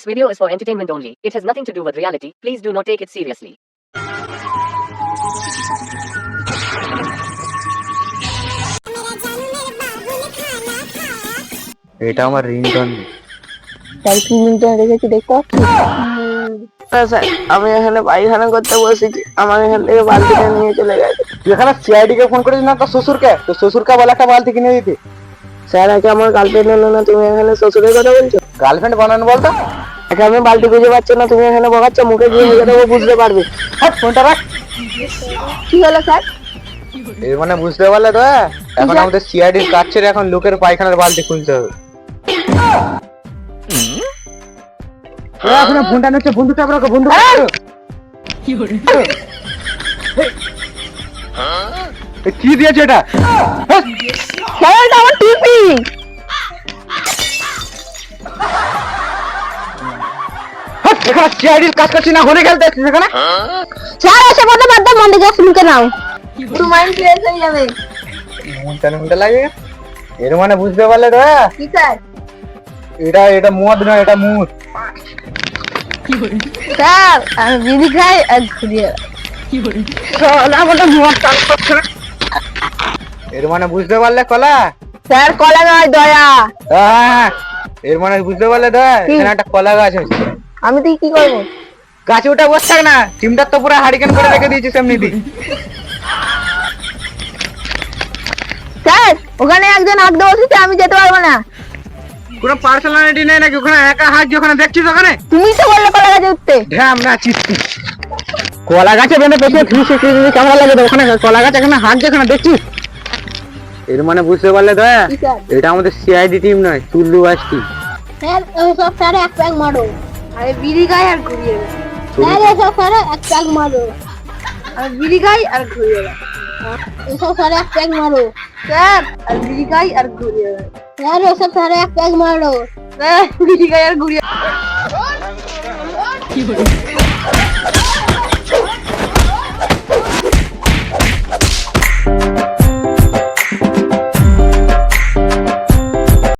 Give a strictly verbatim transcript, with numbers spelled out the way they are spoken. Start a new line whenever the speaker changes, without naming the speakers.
This video is for entertainment only. It has nothing to do with reality. Please do not take it seriously.
এটা আমার ringtone.
তাই কি ringtone রেখেছি দেখতে পাচ্ছি?
স্যার আমি এখানে পায়খানা করতে বসেছি, আমার এখান থেকে বালতিটা নিয়ে চলে গেছে।
তুই এখানে সিআইডি কে ফোন করেছিস না তোর শ্বশুরকে? তোর শ্বশুরকে বলে একটা বালতি কিনে দিতে।
স্যার একে আমার গার্লফ্রেন্ড হলো না, তুমি এখানে শ্বশুরের কথা বলছো?
গার্লফ্রেন্ড বানানো বলতো?
একে আমি বালতি খুঁজে পাচ্ছ না, তুমি এখানে বকাচ্ছ, মুখে গিয়ে বুঝে দেবো, বুঝতে পারবে।
হ্যাঁ ফোনটা রাখ।
কি হলো স্যার?
এর মানে বুঝতে পারলে তো? এখন আমাদের সিআইডির কাজ ছেড়ে এখন লোকের পায়খানার বালতি খুলতে হবে। এখন ফোনটা নিচ্ছে, বন্ধুটা রাখো, বন্ধু কি করে? কি দিয়েছে এটা?
স্যার এটা আমার টিপি।
এখানে সিআইডির কাজ করছি না, ঘুরে খেলতে আসছিস এখানে?
স্যার এসে বলতে বাদ দাও, মন্দির যাও, মুখে নাও, একটু মাইন্ড ফ্রেশ হয়ে যাবে।
মনটা মনটা লাগে। এর মানে বুঝতে পারলে তো?
কি স্যার?
এটা এটা মদ না, এটা মুদ।
স্যার আমি বিড়ি খাই আর ঘুরিয়ে
এর মানে বুঝতে পারলে কলা?
স্যার কলা নয়, দয়া।
হ্যাঁ এর মানে বুঝতে পারলে তো? এখানে একটা কলা গাছ আছে।
আমি তুই কি করবো?
গাছে উঠে বসে থাক না, টিমটা তো পুরো হারিকেন করে রেখে দিয়েছিস এমনিতেই।
স্যার ওখানে একজন আগ বসেছে, আমি যেতে পারবো না।
কোনো পার্সোনালিটি নেই নাকি ওখানে? একা হাত ওখানে দেখছিস ওখানে?
তুমি তো বললে কলা গাছে উঠতে।
ঢ্যাম না চিস্তি। কলা গাছে বেঁধে পেছনে থ্রি সিক্সটি ডিগ্রি ক্যামেরা লাগে তো ওখানে কলা গাছ এখানে হাত যেখানে দেখছিস। এর মানে বুঝতে পারলে তো? এটা আমাদের সিআইডি টিম নয়, তুল্লু বাস টিম।
স্যার সব স্যার এক প্যাক মারো।
আরে বিড়ি খাই আর ঘুরিয়ে দেয়।
স্যার এসব স্যার এক প্যাক মারো।
আর বিড়ি খাই আর ঘুরিয়ে দেয়।
এসব স্যার এক প্যাক মারো।
স্যার আর বিড়ি খাই আর ঘুরিয়ে দেয়।
স্যার এসব স্যার এক প্যাক মারো।
স্যার বিড়ি খাই আর ঘুরিয়ে